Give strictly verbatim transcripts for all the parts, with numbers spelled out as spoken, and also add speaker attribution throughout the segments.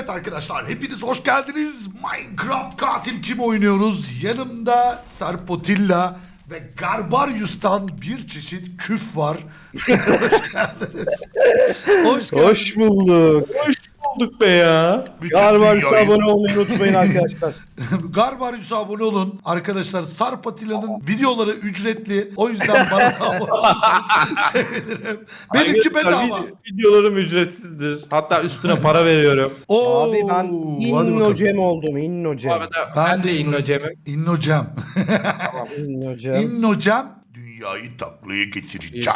Speaker 1: Evet arkadaşlar, hepiniz hoş geldiniz. Minecraft katil kim oynuyoruz? Yanımda Sarpotilla ve Garbarius'tan bir çeşit küf var. Hoş geldiniz. Hoş geldiniz.
Speaker 2: Hoş bulduk.
Speaker 3: Hoş bulduk be ya.
Speaker 1: Bütün
Speaker 2: Garbarius'a
Speaker 1: dünyayı-
Speaker 2: abone olmayı unutmayın arkadaşlar.
Speaker 1: Garbarius'a abone olun. Arkadaşlar Sarpotilla'nın videoları ücretli. O yüzden bana da abone olursanız sevinirim. Benimki
Speaker 3: Arkadaşlar,
Speaker 1: bedava.
Speaker 3: vid- Videolarım ücretsizdir. Hatta üstüne para veriyorum.
Speaker 1: Oo,
Speaker 2: Abi ben
Speaker 1: hadi
Speaker 2: inno
Speaker 1: bakalım.
Speaker 2: cem oldum
Speaker 3: Bu
Speaker 2: inno cem.
Speaker 3: arada
Speaker 1: Ben
Speaker 3: ben,
Speaker 1: de
Speaker 3: de
Speaker 1: inno-
Speaker 3: innocemim.
Speaker 1: İnnocem.
Speaker 2: İnno cem.
Speaker 1: İnnocem. Dünyayı taklaya getireceğim.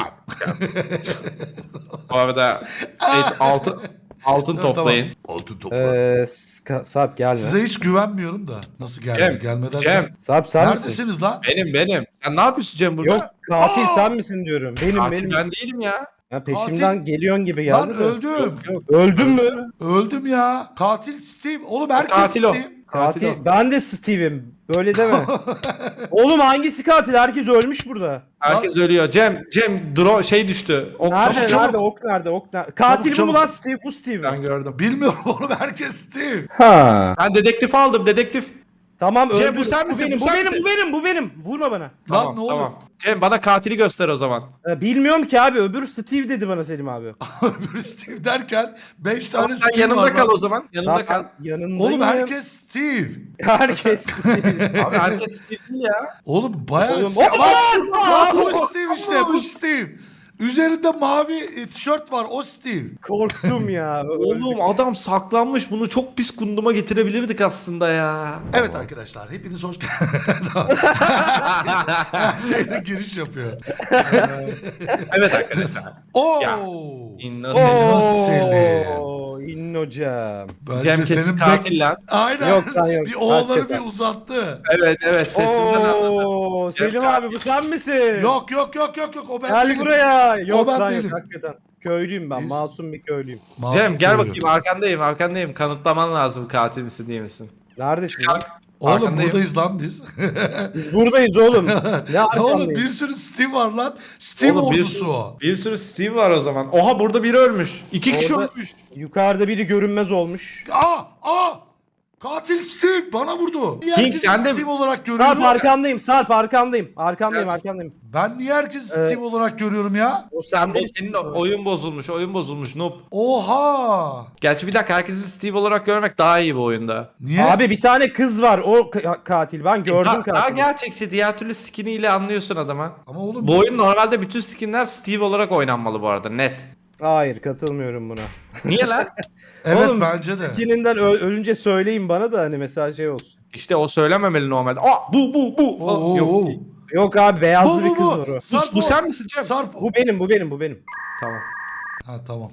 Speaker 3: Bu arada şey, altın altın toplayın.
Speaker 1: Tamam. Altın topla.
Speaker 2: Eee Ska- Sarp gelme.
Speaker 1: Size hiç güvenmiyorum da. Nasıl gelme?
Speaker 3: Cem,
Speaker 1: Gelmeden.
Speaker 3: Cem,
Speaker 2: Sarp sen misin?
Speaker 1: Neredesiniz lan?
Speaker 3: benim benim. Sen ne yapıyorsun Cem burada?
Speaker 2: Yok katil
Speaker 1: Aa!
Speaker 2: sen misin diyorum. Benim
Speaker 3: Katil
Speaker 2: benim.
Speaker 3: ben değilim ya.
Speaker 2: Ha, peşimden geliyorsun gibi
Speaker 1: Lan
Speaker 2: geldi de.
Speaker 1: öldüm.
Speaker 3: Yok yok.
Speaker 2: Öldün mü?
Speaker 1: Öldüm ya. Katil Steve. Oğlum herkes
Speaker 3: Katil o.
Speaker 1: Steve.
Speaker 3: Katil
Speaker 2: Katil.
Speaker 3: o.
Speaker 2: Ben de Steve'im. Böyle deme. Oğlum hangisi katil? Herkes ölmüş burada.
Speaker 3: Herkes ölüyor. Cem, Cem drone şey düştü. Ok,
Speaker 2: Nerede?
Speaker 1: çabuk, çabuk.
Speaker 2: Nerede? Ok nerede? Ok nerede? Katil bu
Speaker 1: çabuk.
Speaker 2: mu lan Steve? Bu Steve
Speaker 3: Ben
Speaker 2: mi?
Speaker 3: gördüm.
Speaker 1: Bilmiyorum oğlum herkes Steve.
Speaker 2: Ha.
Speaker 3: Ben dedektif aldım, dedektif.
Speaker 2: Tamam
Speaker 3: Cem,
Speaker 2: öldür.
Speaker 3: bu sen misin?
Speaker 2: benim,
Speaker 3: Bu
Speaker 2: bu
Speaker 3: sen
Speaker 2: benim,
Speaker 3: misin?
Speaker 2: bu benim, bu benim. Vurma bana.
Speaker 1: Lan ne oluyor?
Speaker 3: Cem bana katili göster o zaman.
Speaker 2: Ee, bilmiyorum ki abi. Öbür Steve dedi bana Selim abi.
Speaker 1: Öbür Steve derken beş tane
Speaker 3: Tamam, sen
Speaker 1: Steve
Speaker 3: yanımda
Speaker 1: var
Speaker 3: kal
Speaker 1: lan.
Speaker 3: o zaman. Yanımda kal.
Speaker 2: Yanındayım.
Speaker 1: Oğlum herkes Steve.
Speaker 2: Herkes Steve.
Speaker 3: Abi herkes Steve değil ya.
Speaker 1: Oğlum bayağı
Speaker 2: Oğlum,
Speaker 1: Steve.
Speaker 2: oğlum,
Speaker 1: Bak, bak,
Speaker 2: oğlum,
Speaker 1: o Steve işte bu Steve. Üzerinde mavi e, tişört var o Steve.
Speaker 2: Korktum ya.
Speaker 3: Oğlum adam saklanmış. Bunu çok pis kunduma getirebilirdik aslında ya.
Speaker 1: Evet arkadaşlar hepiniz hoş geldiniz. Her şeyde giriş yapıyor.
Speaker 3: Evet arkadaşlar.
Speaker 1: Oo.
Speaker 3: Ya.
Speaker 2: Oo.
Speaker 3: Innocent.
Speaker 1: Selim.
Speaker 2: İnnocem.
Speaker 1: Bence
Speaker 3: Cem kesin
Speaker 1: senin
Speaker 3: katil
Speaker 1: bek...
Speaker 3: lan.
Speaker 1: Aynen.
Speaker 2: Yok lan yok.
Speaker 1: Bir oğulları
Speaker 2: Hakikaten.
Speaker 1: bir uzattı.
Speaker 3: Evet evet sesinden anladım.
Speaker 2: Oo, Selim
Speaker 3: Cem
Speaker 2: abi bu sen misin?
Speaker 1: Yok yok yok yok yok o ben
Speaker 2: Gel
Speaker 1: değilim.
Speaker 2: buraya. Yok
Speaker 1: ben
Speaker 2: lan
Speaker 1: değilim.
Speaker 2: yok hakikaten. Köylüyüm ben.
Speaker 1: Biz-
Speaker 2: Masum bir köylüyüm.
Speaker 1: Masum
Speaker 3: Cem gel
Speaker 1: söylüyor.
Speaker 3: bakayım arkandayım arkandayım. Kanıtlaman lazım katil misin değil misin?
Speaker 2: Neredesin?
Speaker 3: Kalk.
Speaker 1: Oğlum
Speaker 3: Arkandayım.
Speaker 1: buradayız lan biz.
Speaker 2: Biz buradayız oğlum. Ne
Speaker 1: Ya oğlum
Speaker 2: arkandayız?
Speaker 1: bir sürü Steve var lan. Steve
Speaker 3: Oğlum, bir
Speaker 1: ordusu
Speaker 3: sürü-
Speaker 1: o.
Speaker 3: Bir sürü Steve var o zaman. Oha burada biri ölmüş. İki kişi
Speaker 2: Orada-
Speaker 3: ölmüş.
Speaker 2: Yukarıda biri görünmez olmuş.
Speaker 1: Aa aa. Katil Steve bana vurdu. Niye
Speaker 3: King,
Speaker 1: herkesi
Speaker 3: sen de-
Speaker 1: Steve olarak
Speaker 2: Sarp
Speaker 1: görüyorum?
Speaker 2: arkandayım. Sarp arkandayım. Arkandayım
Speaker 3: Neredesin?
Speaker 2: arkandayım.
Speaker 1: Ben niye herkesi
Speaker 2: Ee,
Speaker 1: Steve olarak görüyorum ya?
Speaker 2: O
Speaker 3: Sen
Speaker 2: sen
Speaker 3: değil senin o- oyun bozulmuş oyun bozulmuş noob.
Speaker 1: Oha.
Speaker 3: Gerçi bir dakika herkesi Steve olarak görmek daha iyi bu oyunda.
Speaker 1: Niye?
Speaker 2: Abi bir tane kız var. O ka- katil. Ben gördüm
Speaker 3: Daha, daha
Speaker 2: katili.
Speaker 3: gerçekçi diğer türlü skiniyle anlıyorsun adama.
Speaker 1: Ama oğlum
Speaker 3: Bu oyun normalde bütün skinler Steve olarak oynanmalı bu arada net.
Speaker 2: Hayır katılmıyorum buna.
Speaker 3: Niye lan?
Speaker 1: evet
Speaker 2: Oğlum,
Speaker 1: bence de.
Speaker 2: Skininden ö- ölünce söyleyin bana da hani mesela şey olsun.
Speaker 3: İşte o söylememeli normalde. Aa bu bu bu. Aa,
Speaker 1: Oo,
Speaker 3: yok.
Speaker 1: oo.
Speaker 2: Yok abi beyazlı
Speaker 1: Bu
Speaker 2: bir
Speaker 1: bu
Speaker 2: kız
Speaker 1: bu.
Speaker 2: var o.
Speaker 1: Sarp
Speaker 3: Bu
Speaker 1: o.
Speaker 3: sen misin Cem?
Speaker 1: Sarp.
Speaker 2: Bu benim bu benim bu benim.
Speaker 3: Tamam.
Speaker 1: Ha tamam.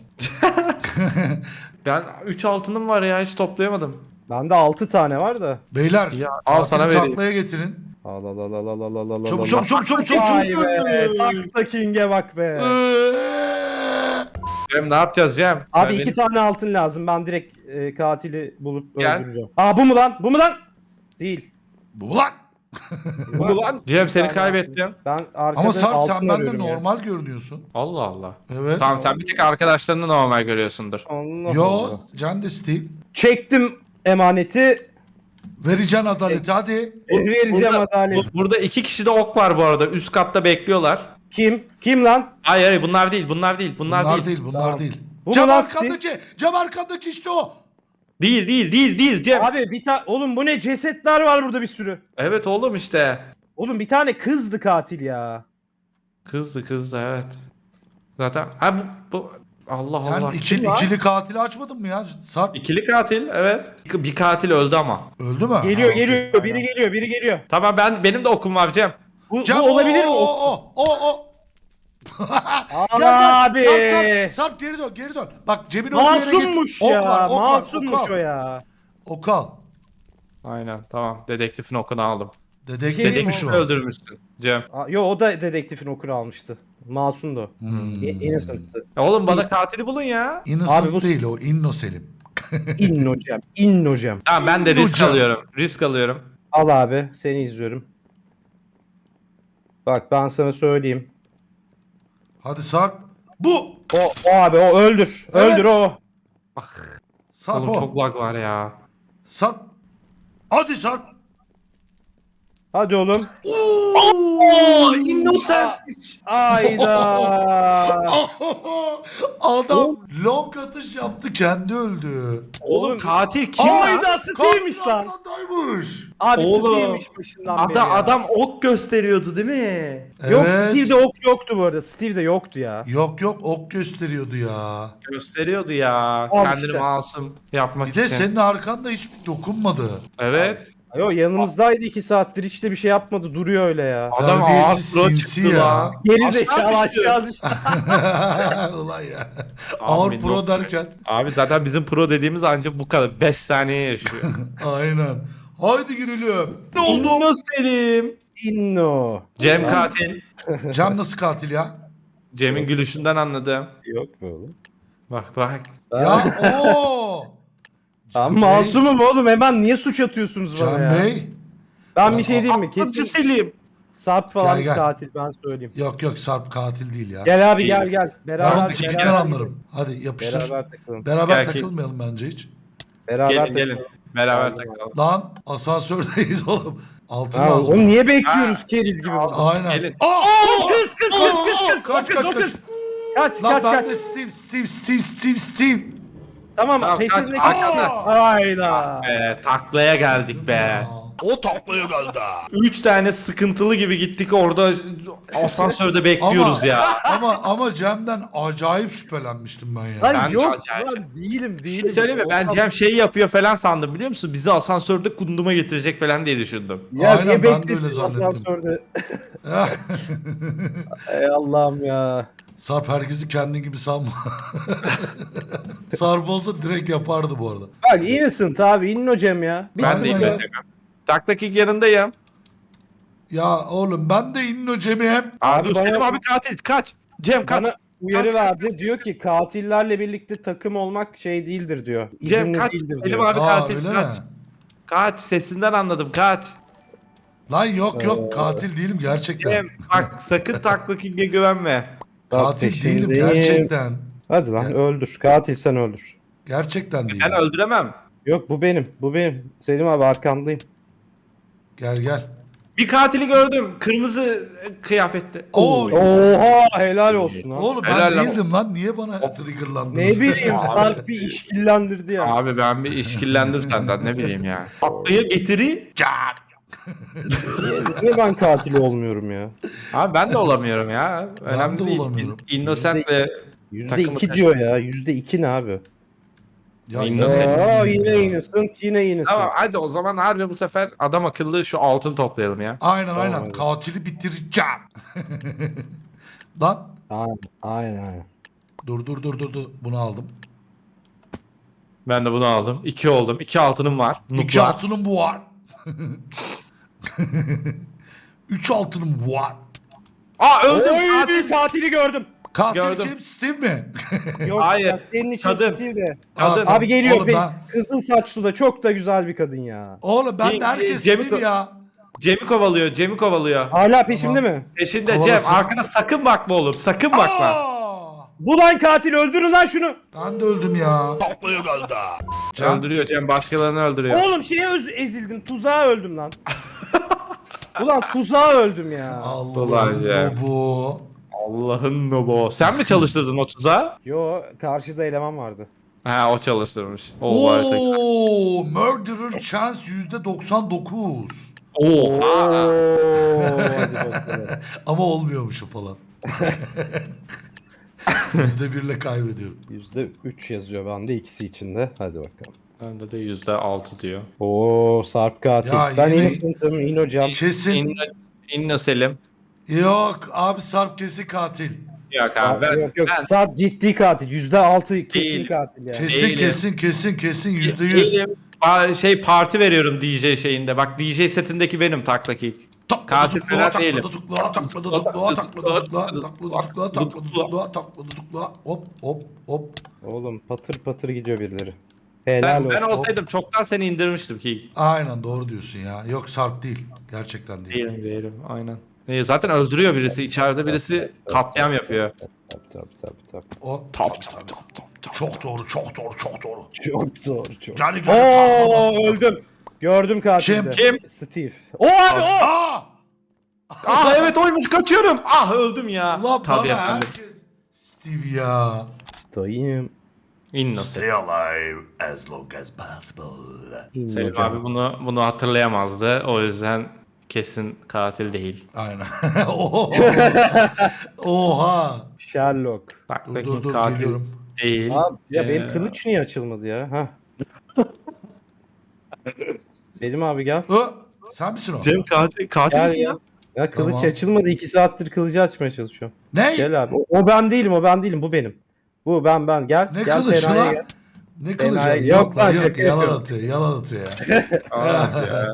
Speaker 3: Ben üç altınım var ya hiç toplayamadım.
Speaker 2: Bende altı tane var da.
Speaker 1: Beyler.
Speaker 3: Ya, al
Speaker 1: katili
Speaker 3: sana vereyim.
Speaker 1: taklaya getirin.
Speaker 2: Al al al al al al al al.
Speaker 1: Çabuk çabuk çabuk çabuk çabuk.
Speaker 2: Vay
Speaker 1: çabuk.
Speaker 2: be. Takla King'e bak be.
Speaker 1: Eee.
Speaker 3: Cem ne yapacağız Cem?
Speaker 2: Abi
Speaker 3: Ben
Speaker 2: iki
Speaker 3: benim-
Speaker 2: tane altın lazım. Ben direkt e, katili bulup
Speaker 3: Gel.
Speaker 2: öldüreceğim. Aa bu mu lan? Bu mu lan? Değil.
Speaker 1: Bu lan.
Speaker 3: Bu mu lan? Cem seni
Speaker 2: tane
Speaker 3: kaybettim.
Speaker 2: Ben arkada
Speaker 1: Ama Sarp
Speaker 2: altın
Speaker 1: sen bende
Speaker 2: arıyorum ya.
Speaker 1: normal görünüyorsun.
Speaker 3: Allah Allah.
Speaker 1: Evet.
Speaker 3: Tamam sen bir tek arkadaşlarını normal görüyorsundur.
Speaker 2: Allah
Speaker 1: Yo,
Speaker 2: Allah.
Speaker 1: Can de Steve.
Speaker 2: Çektim emaneti.
Speaker 1: Vereceksin adaleti hadi.
Speaker 2: e, vereceğim
Speaker 3: Burada,
Speaker 2: adalet.
Speaker 3: bu- burada iki kişi de ok var bu arada. Üst katta bekliyorlar.
Speaker 2: Kim? Kim lan?
Speaker 3: Hayır hayır bunlar değil bunlar değil bunlar,
Speaker 1: Bunlar
Speaker 3: değil.
Speaker 1: değil, bunlar
Speaker 2: Tamam.
Speaker 1: değil.
Speaker 2: Bu
Speaker 1: Cam
Speaker 2: mu lan
Speaker 1: arkandaki, cam arkandaki işte o.
Speaker 3: Değil değil değil değil Cem.
Speaker 2: Abi bir tane oğlum bu ne cesetler var burada bir sürü.
Speaker 3: Evet oğlum işte.
Speaker 2: Oğlum bir tane kızdı katil ya.
Speaker 3: Kızdı kızdı evet. Zaten ha bu, bu Allah
Speaker 1: Sen
Speaker 3: Allah.
Speaker 1: ikili,
Speaker 3: Kim lan?
Speaker 1: ikili katili açmadın mı ya Sarp?
Speaker 3: İkili katil evet. Bir katil öldü ama.
Speaker 1: Öldü mü?
Speaker 2: Geliyor
Speaker 1: Ha, okey.
Speaker 2: geliyor biri geliyor biri geliyor.
Speaker 3: Tamam ben benim de okum var Cem.
Speaker 2: Bu,
Speaker 1: Cam,
Speaker 2: bu olabilir mi?
Speaker 1: O,
Speaker 2: O-
Speaker 1: o, o, o, o. Gel, gel.
Speaker 2: Abi.
Speaker 1: Sarp, Sarp, Sarp geri dön, geri dön. Bak cebine o yere git.
Speaker 2: Masummuş
Speaker 1: Ok
Speaker 2: ya.
Speaker 1: var, ok var,
Speaker 2: Masummuş
Speaker 1: ok al.
Speaker 2: o ya.
Speaker 1: Ok al.
Speaker 3: Aynen tamam dedektifin okunu aldım.
Speaker 1: Dedektifmiş
Speaker 3: Dedektifi
Speaker 1: o.
Speaker 3: öldürmüşsün Cem.
Speaker 2: Aa, yo o da dedektifin okunu almıştı. Masumdu.
Speaker 1: Hmm.
Speaker 2: İ- Innocent'tı.
Speaker 3: Ya oğlum bana katili bulun ya.
Speaker 1: Innocent
Speaker 2: Abi bu-
Speaker 1: değil o, Inno Selim.
Speaker 2: İnnocem. İnnocem.
Speaker 3: Tamam ben de risk
Speaker 1: Hocam.
Speaker 3: alıyorum. Risk alıyorum.
Speaker 2: Al abi seni izliyorum. Bak ben sana söyleyeyim.
Speaker 1: Hadi Sarp. Bu.
Speaker 2: O, o abi o öldür.
Speaker 1: Evet.
Speaker 2: Öldür o.
Speaker 1: Sarp
Speaker 3: Oğlum
Speaker 1: o.
Speaker 3: çok lag var ya.
Speaker 1: Sarp. Hadi Sarp.
Speaker 2: Hadi oğlum.
Speaker 1: Oo!
Speaker 3: Innocent.
Speaker 2: Ayda.
Speaker 1: Adam long atış yaptı, kendi öldü.
Speaker 3: Oğlum katil kim
Speaker 2: Ayda
Speaker 3: lan?
Speaker 2: Steve'miş
Speaker 1: Katil
Speaker 2: lan.
Speaker 1: Adaymış.
Speaker 2: Abi
Speaker 3: Oğlum.
Speaker 2: Steve'miş başından beri
Speaker 3: Adam,
Speaker 2: ya.
Speaker 3: adam ok gösteriyordu değil mi?
Speaker 2: Yok
Speaker 1: Evet.
Speaker 2: Steve'de ok yoktu bu arada. Steve'de yoktu ya.
Speaker 1: Yok yok, ok gösteriyordu ya.
Speaker 3: Gösteriyordu ya.
Speaker 2: Al
Speaker 3: Kendini
Speaker 2: işte.
Speaker 3: masum yapmak
Speaker 1: Bir de
Speaker 3: için.
Speaker 1: senin arkanda hiç dokunmadı.
Speaker 3: Evet.
Speaker 2: Yo yanımızdaydı iki saattir hiç de bir şey yapmadı duruyor öyle ya.
Speaker 3: Adam ağır
Speaker 1: Terbiyesiz
Speaker 3: pro
Speaker 1: sinsi
Speaker 3: çıktı
Speaker 1: ya.
Speaker 3: lan.
Speaker 2: Geri
Speaker 3: Aşağı
Speaker 2: zekalı
Speaker 3: düştü.
Speaker 2: aşağı düştü.
Speaker 1: Ulan ya.
Speaker 3: Abi
Speaker 1: Ağır
Speaker 3: yok.
Speaker 1: pro derken.
Speaker 3: Abi zaten bizim pro dediğimiz ancak bu kadar. beş saniye yaşıyor.
Speaker 1: Aynen. Haydi girelim. Ne oldu?
Speaker 3: Oldu Selim.
Speaker 2: Inno.
Speaker 3: Cem katil.
Speaker 1: Cem nasıl katil ya?
Speaker 3: Cem'in gülüşünden anladım.
Speaker 2: Yok mu oğlum?
Speaker 3: Bak bak.
Speaker 1: Ya ooo.
Speaker 2: Ben
Speaker 1: Bey.
Speaker 2: masumum oğlum hemen niye suç atıyorsunuz bana
Speaker 1: Cem
Speaker 2: ya?
Speaker 1: Bey.
Speaker 2: Ben bir şey diyeyim mi?
Speaker 3: Akılcı
Speaker 2: Kesin
Speaker 3: Selim.
Speaker 2: Sarp falan
Speaker 1: Gel, gel.
Speaker 2: katil ben söyleyeyim.
Speaker 1: Yok yok, Sarp katil değil ya.
Speaker 2: Gel abi
Speaker 3: İyi.
Speaker 2: gel gel.
Speaker 1: Ben
Speaker 2: Beraber
Speaker 1: onu tipikten
Speaker 2: beraber
Speaker 1: anlarım. Hadi yapıştır. Beraber,
Speaker 2: Beraber takılalım.
Speaker 3: Gel ki-
Speaker 1: takılmayalım bence hiç.
Speaker 2: Beraber
Speaker 3: Gelin
Speaker 2: takılalım.
Speaker 3: gelin. Beraber
Speaker 2: Geldim
Speaker 3: takalım.
Speaker 1: Lan asansördeyiz oğlum. Altın
Speaker 2: Ha,
Speaker 1: lazım.
Speaker 2: onu niye bekliyoruz keriz gibi burada?
Speaker 1: Aynen.
Speaker 3: Gelin.
Speaker 1: Aa!
Speaker 2: O kız kız kız kız kız.
Speaker 1: Kaç
Speaker 2: o kız
Speaker 1: kaç
Speaker 2: o
Speaker 1: kaç.
Speaker 2: kız. Kaç
Speaker 1: Lan
Speaker 2: kaç
Speaker 1: ben
Speaker 2: kaç.
Speaker 1: de Steve Steve Steve Steve Steve.
Speaker 2: Tamam
Speaker 3: Tamam,
Speaker 2: peşindeki.
Speaker 3: kaç, arkada.
Speaker 2: Hayda.
Speaker 3: Be, taklaya geldik be.
Speaker 1: O taklaya geldi.
Speaker 3: Üç tane sıkıntılı gibi gittik orada asansörde bekliyoruz
Speaker 1: Ama-
Speaker 3: ya.
Speaker 1: Ama ama Cem'den acayip şüphelenmiştim ben ya.
Speaker 2: Lan
Speaker 3: Ben de
Speaker 2: yok
Speaker 3: acayip.
Speaker 2: lan değilim
Speaker 3: Bir
Speaker 2: değilim.
Speaker 3: şey söyleyeyim mi? Ben
Speaker 2: Olmaz.
Speaker 3: Cem şey yapıyor falan sandım biliyor musun? Bizi asansörde kunduma getirecek falan diye düşündüm.
Speaker 2: Ya
Speaker 1: Aynen,
Speaker 2: niye
Speaker 1: ben de öyle
Speaker 2: beklediniz
Speaker 1: zannettim.
Speaker 2: asansörde? Ey Allah'ım ya.
Speaker 1: Sarp herkesi kendi gibi sanma. Sarp olsa direkt yapardı bu arada.
Speaker 2: Bak innocent abi inno Cem ya. Bir
Speaker 3: Ben de
Speaker 1: Aynen
Speaker 3: iyi
Speaker 1: ya.
Speaker 3: beklemem. Taklak ilk yanındayım.
Speaker 1: Ya oğlum ben de inno Cem'i hep.
Speaker 3: Abi,
Speaker 2: Abi
Speaker 3: dur
Speaker 2: bana-
Speaker 3: Selim abi katil kaç. Cem kaç.
Speaker 2: Bana uyarı
Speaker 3: Kaç,
Speaker 2: verdi. Diyor ki katillerle birlikte takım olmak şey değildir diyor.
Speaker 3: Cem
Speaker 2: İzinli
Speaker 3: kaç.
Speaker 2: değildir
Speaker 3: Selim
Speaker 2: diyor.
Speaker 3: abi
Speaker 1: Aa
Speaker 3: katil
Speaker 1: öyle
Speaker 3: kaç.
Speaker 1: mi?
Speaker 3: Kaç sesinden anladım kaç.
Speaker 1: Lan yok yok, katil değilim gerçekten.
Speaker 3: Cem bak sakın taklak ilgiye güvenme.
Speaker 1: Katil
Speaker 2: Peşindeyim.
Speaker 1: değilim gerçekten.
Speaker 2: Hadi lan
Speaker 1: Ya.
Speaker 2: öldür. Katil sen öldür.
Speaker 1: Gerçekten değilim.
Speaker 3: Ben öldüremem.
Speaker 2: Yok bu benim. Bu benim. Selim abi arkandayım.
Speaker 1: Gel gel.
Speaker 3: Bir katili gördüm. Kırmızı e, kıyafetli.
Speaker 1: Oo,
Speaker 2: Oha helal olsun ha.
Speaker 1: oğlum ben
Speaker 3: Helal lan.
Speaker 1: değildim lan. Niye bana triggerlandınız?
Speaker 2: Ne bileyim Sarp bir işkillendirdi ya.
Speaker 3: Abi ben bir işkillendim senden ne bileyim ya. Taklaya getiri.
Speaker 1: Can.
Speaker 2: Niye, niye ben katil olmuyorum ya?
Speaker 3: Abi ben de olamıyorum ya.
Speaker 1: Ben
Speaker 3: Önemli
Speaker 1: de
Speaker 3: değil.
Speaker 1: olamıyorum.
Speaker 3: Innocentle
Speaker 2: Yüzde
Speaker 3: takımı
Speaker 2: iki
Speaker 3: taşı-
Speaker 2: diyor ya. Yüzde iki ne abi?
Speaker 1: Ya,
Speaker 3: Innocent.
Speaker 2: Aa yine innocent yine innocent.
Speaker 3: Tamam hadi o zaman harbi bu sefer adam akıllı şu altın toplayalım ya.
Speaker 1: Aynen aynen.
Speaker 2: Tamam.
Speaker 1: Katili bitireceğim. Lan.
Speaker 2: Aynen aynen. aynen.
Speaker 1: Dur dur dur dur dur. Bunu aldım.
Speaker 3: Ben de bunu aldım. İki oldum. İki altınım var.
Speaker 1: İki
Speaker 3: Nuklar.
Speaker 1: altınım bu var. Üç altınım bu var.
Speaker 3: Aa öldüm.
Speaker 2: Oy,
Speaker 3: Katil.
Speaker 2: katili gördüm.
Speaker 1: Katil
Speaker 3: Gördüm.
Speaker 1: kim? Steve mi?
Speaker 2: Yok
Speaker 3: Hayır.
Speaker 2: ya, senin için
Speaker 3: Kadın.
Speaker 2: Steve de.
Speaker 3: Kadın.
Speaker 1: Aa,
Speaker 2: Abi geliyor.
Speaker 1: Oğlum
Speaker 2: be-
Speaker 1: ben,
Speaker 2: Kızıl saçlı da çok da güzel bir kadın ya.
Speaker 1: oğlum ben de
Speaker 3: İyi,
Speaker 1: herkes
Speaker 3: Cem'i
Speaker 1: Steve
Speaker 3: ko-
Speaker 1: ya.
Speaker 3: Cem'i kovalıyor. Cem'i kovalıyor.
Speaker 2: Hala peşimde
Speaker 1: Tamam.
Speaker 2: mi?
Speaker 3: Peşinde
Speaker 1: Kovalasın.
Speaker 3: Cem. Arkana sakın bakma oğlum. Sakın bakma.
Speaker 1: Aa!
Speaker 2: Bu lan katil öldürün lan şunu.
Speaker 1: Ben de öldüm ya. Taklaya geldi. Cem,
Speaker 3: Öldürüyor Cem. Başkalarını öldürüyor.
Speaker 2: Oğlum şeye öz- ezildim. Tuzağa öldüm lan. Ulan tuzağa öldüm ya.
Speaker 1: Allah'ım
Speaker 3: ya.
Speaker 1: bu.
Speaker 3: Allah'ın nobo. Sen mi çalıştırdın o tuzağı?
Speaker 2: Yo karşıda eleman vardı.
Speaker 3: Ha o çalıştırmış. O var tek.
Speaker 1: Oo, murderer chance yüzde doksan dokuz.
Speaker 3: Oha.
Speaker 2: Oo, hadi bakalım.
Speaker 1: Ama olmuyormuş o falan. Yüzde birle kaybediyorum.
Speaker 2: Yüzde üç yazıyor bende ikisi içinde. Hadi bakalım.
Speaker 3: Bende de yüzde altı diyor.
Speaker 2: Oo Sarp katil.
Speaker 1: Ya
Speaker 2: ben
Speaker 1: yine-
Speaker 2: innocent'ım, inno Cem.
Speaker 1: Kesin.
Speaker 3: İnno, İnno Selim.
Speaker 1: Yok abi, Sarp kesin katil.
Speaker 3: Yok abi ben,
Speaker 2: yok yok
Speaker 3: ben
Speaker 2: Sarp ciddi katil. Yüzde altı kesin
Speaker 3: Değil.
Speaker 2: katil yani.
Speaker 1: Kesin
Speaker 3: Değilim.
Speaker 1: kesin kesin kesin yüzde yüz.
Speaker 3: değilim. Ba- şey parti veriyorum D J şeyinde. Bak D J setindeki benim taklak ilk. Katil falan değilim.
Speaker 1: Takladı tuklağa, takladı tuklağa, takladı tuklağa, takladı tuklağa, takladı tuklağa, takladı tuklağa. Hop hop hop.
Speaker 2: Oğlum patır patır gidiyor birileri. Helal
Speaker 3: Sen, ben
Speaker 2: olsun.
Speaker 3: olsaydım çoktan seni indirmiştim ki.
Speaker 1: Aynen doğru diyorsun ya. Yok Sarp değil. Gerçekten değil.
Speaker 3: Değilim değilim aynen. Ee, zaten öldürüyor birisi. İçeride birisi katliam yapıyor.
Speaker 2: Tabii tabii tabii. tabii.
Speaker 1: O
Speaker 3: Top top top top top.
Speaker 1: Çok doğru, çok doğru, çok doğru.
Speaker 2: Çok doğru çok.
Speaker 1: Yani gel.
Speaker 2: Oo öldüm. Gördüm katilde.
Speaker 3: Kim?
Speaker 2: Steve. O abi o.
Speaker 1: Aa!
Speaker 3: Ah evet oymuş, kaçıyorum. Ah öldüm ya.
Speaker 1: Ulan
Speaker 3: Tabii
Speaker 1: bana
Speaker 3: efendim.
Speaker 1: herkes Steve ya.
Speaker 2: Dayım.
Speaker 3: Innocent.
Speaker 1: Stay alive as long as possible.
Speaker 3: Selim abi bunu bunu hatırlayamazdı. O yüzden kesin katil değil.
Speaker 1: Aynen. Oha. Oha.
Speaker 2: Sherlock.
Speaker 3: Bak
Speaker 1: Dur,
Speaker 3: bakayım
Speaker 1: dur, dur,
Speaker 3: katil
Speaker 1: geliyorum.
Speaker 3: değil.
Speaker 2: Abi ya
Speaker 3: Ee,
Speaker 2: benim kılıç niye açılmadı ya? Ha. Selim abi gel.
Speaker 1: Ö, sen misin o?
Speaker 3: Cem katil, katil
Speaker 2: Gel
Speaker 3: misin
Speaker 2: ya.
Speaker 3: ya?
Speaker 2: Ya kılıç
Speaker 1: Tamam.
Speaker 2: açılmadı. iki saattir kılıcı açmaya çalışıyorum.
Speaker 1: Ne?
Speaker 2: Gel abi. O, o ben değilim, o ben değilim. Bu benim. Bu ben ben. Gel.
Speaker 1: Ne
Speaker 2: gel
Speaker 1: kılıcı
Speaker 2: Fena'ya
Speaker 1: lan?
Speaker 2: gel.
Speaker 1: Ne kılıcı?
Speaker 2: Enayi-
Speaker 1: Yok,
Speaker 2: yok
Speaker 1: lan
Speaker 2: lan,
Speaker 1: yok.
Speaker 2: şaka
Speaker 1: Yalan
Speaker 2: yapıyorum.
Speaker 1: atıyor. Yalan atıyor ya.
Speaker 3: Ah ya.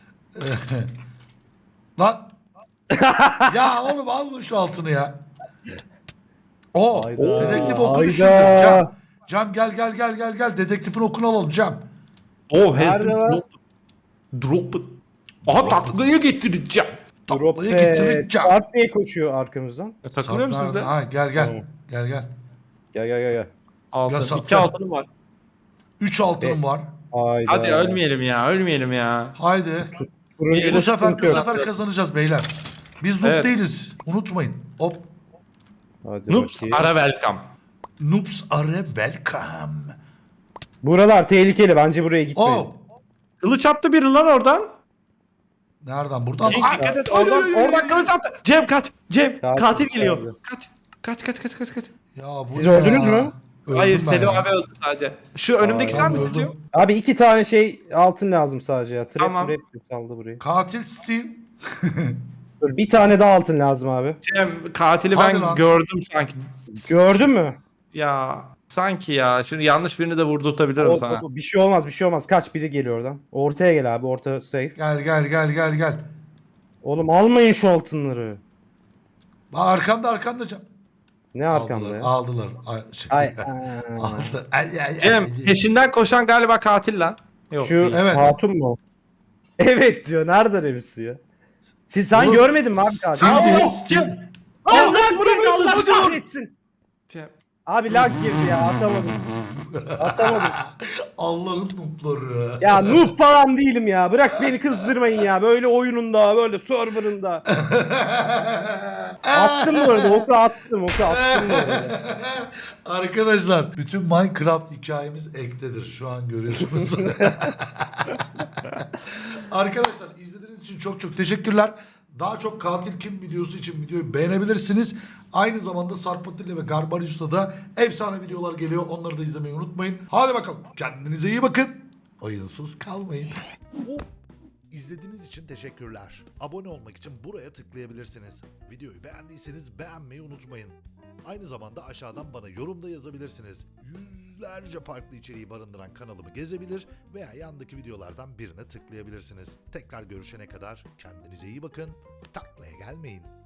Speaker 1: Lan. Ya oğlum al şu altını ya. O.
Speaker 2: Hayda.
Speaker 1: Dedektif okunu
Speaker 2: Hayda.
Speaker 1: şimdi. Cem. Cem gel gel gel gel gel. Dedektifin okunu alalım Cem.
Speaker 3: Oh has
Speaker 2: Nerede
Speaker 3: been
Speaker 2: lan?
Speaker 3: dropped. Dropped. Aha taklaya getireceğim.
Speaker 2: Drop
Speaker 1: Taklaya
Speaker 2: be.
Speaker 1: getireceğim.
Speaker 2: Sarp niye koşuyor arkamızdan?
Speaker 3: E, takılıyor mu
Speaker 1: Sarp
Speaker 3: sizde?
Speaker 1: nerede? Ha, gel gel.
Speaker 2: Tamam.
Speaker 1: Gel gel.
Speaker 2: Gel gel gel gel.
Speaker 3: Altın.
Speaker 1: Ya,
Speaker 3: İki altınım var.
Speaker 1: Üç altınım
Speaker 2: Be-
Speaker 1: var.
Speaker 2: Hayda.
Speaker 3: Hadi ölmeyelim ya, ölmeyelim ya.
Speaker 1: Haydi.
Speaker 2: Turuncu
Speaker 1: Bu sefer
Speaker 2: sıkıntı
Speaker 1: bu
Speaker 2: yok.
Speaker 1: sefer kazanacağız beyler. Biz noob
Speaker 3: Evet.
Speaker 1: değiliz. Unutmayın. Hop.
Speaker 2: Hadi
Speaker 3: Noobs
Speaker 2: bakayım.
Speaker 3: ara welcome.
Speaker 1: Noobs are welcome.
Speaker 2: Buralar tehlikeli. Bence buraya gitmeyin.
Speaker 1: Oh.
Speaker 3: Kılıç attı biri lan oradan.
Speaker 1: Nereden? Buradan mı?
Speaker 3: Cenk
Speaker 1: Ay,
Speaker 3: dikkat et,
Speaker 1: ay,
Speaker 3: oradan,
Speaker 1: ay, ay,
Speaker 3: oradan
Speaker 1: ay.
Speaker 3: kılıç attı. Cem kaç. Cem
Speaker 2: Katil
Speaker 3: katil
Speaker 2: geldi.
Speaker 3: geliyor. Kaç. Kaç kaç kaç kaç kaç. kaç.
Speaker 1: Ya bu
Speaker 2: Siz
Speaker 1: ne
Speaker 2: öldünüz
Speaker 1: ya?
Speaker 2: mü?
Speaker 1: Öldüm
Speaker 3: Hayır
Speaker 1: ben
Speaker 3: Selim
Speaker 1: ya.
Speaker 3: abi öldü sadece. Şu önümdeki
Speaker 2: Aa,
Speaker 3: sen
Speaker 1: ben
Speaker 3: misin
Speaker 1: öldüm.
Speaker 3: Cem?
Speaker 2: Abi iki tane şey altın lazım sadece ya. Trap
Speaker 3: Tamam.
Speaker 2: trap saldı burayı.
Speaker 1: Katil Steve.
Speaker 2: Dur, bir tane daha altın lazım abi.
Speaker 3: Cem katili
Speaker 1: Hadi
Speaker 3: ben
Speaker 1: lan.
Speaker 3: gördüm sanki.
Speaker 2: Gördün mü?
Speaker 3: Ya sanki ya. Şimdi yanlış birini de vurdurtabilirim
Speaker 2: O-
Speaker 3: sana.
Speaker 2: o- bir şey olmaz, bir şey olmaz. Kaç biri geliyor oradan. Ortaya gel abi, orta safe.
Speaker 1: Gel gel gel gel gel.
Speaker 2: Oğlum almayın şu altınları.
Speaker 1: Bak arkanda arkanda Cem.
Speaker 2: Ne arkamda
Speaker 1: Aldılar
Speaker 2: ya?
Speaker 1: aldılar. Ay, şey.
Speaker 2: Ay, aa.
Speaker 1: Aldı. Ay, ay, ay,
Speaker 3: Cem
Speaker 1: ay.
Speaker 3: peşinden koşan galiba katil lan. Yok
Speaker 2: Şu
Speaker 3: değil.
Speaker 1: Evet.
Speaker 2: hatun mu? Evet diyor. Nereden emisi ya? Siz sen
Speaker 1: Oğlum,
Speaker 2: görmedin mi abi katil?
Speaker 1: Steve değil,
Speaker 3: Aa,
Speaker 1: Steve.
Speaker 2: Allah
Speaker 3: Aa,
Speaker 2: girdi, Allah
Speaker 3: hadi vur.
Speaker 2: kahretsin.
Speaker 3: Cem.
Speaker 2: Abi lag girdi ya, atamadım. Atamadım.
Speaker 1: Allah'ın noobları.
Speaker 2: Ya noob falan değilim ya. Bırak beni kızdırmayın ya. Böyle oyununda, böyle serverında. Attım bu arada. Oku attım. Oku attım bu arada.
Speaker 1: Arkadaşlar bütün Minecraft hikayemiz ektedir. Şu an görüyorsunuz. Arkadaşlar izlediğiniz için çok çok teşekkürler. Daha çok katil kim videosu için videoyu beğenebilirsiniz. Aynı zamanda Sarp Atilla ve Garbarius'ta da efsane videolar geliyor. Onları da izlemeyi unutmayın. Hadi bakalım. Kendinize iyi bakın. Oyunsuz kalmayın. İzlediğiniz için teşekkürler. Abone olmak için buraya tıklayabilirsiniz. Videoyu beğendiyseniz beğenmeyi unutmayın. Aynı zamanda aşağıdan bana yorumda yazabilirsiniz. Yüzlerce farklı içeriği barındıran kanalımı gezebilir veya yandaki videolardan birine tıklayabilirsiniz. Tekrar görüşene kadar kendinize iyi bakın. Taklaya gelmeyin.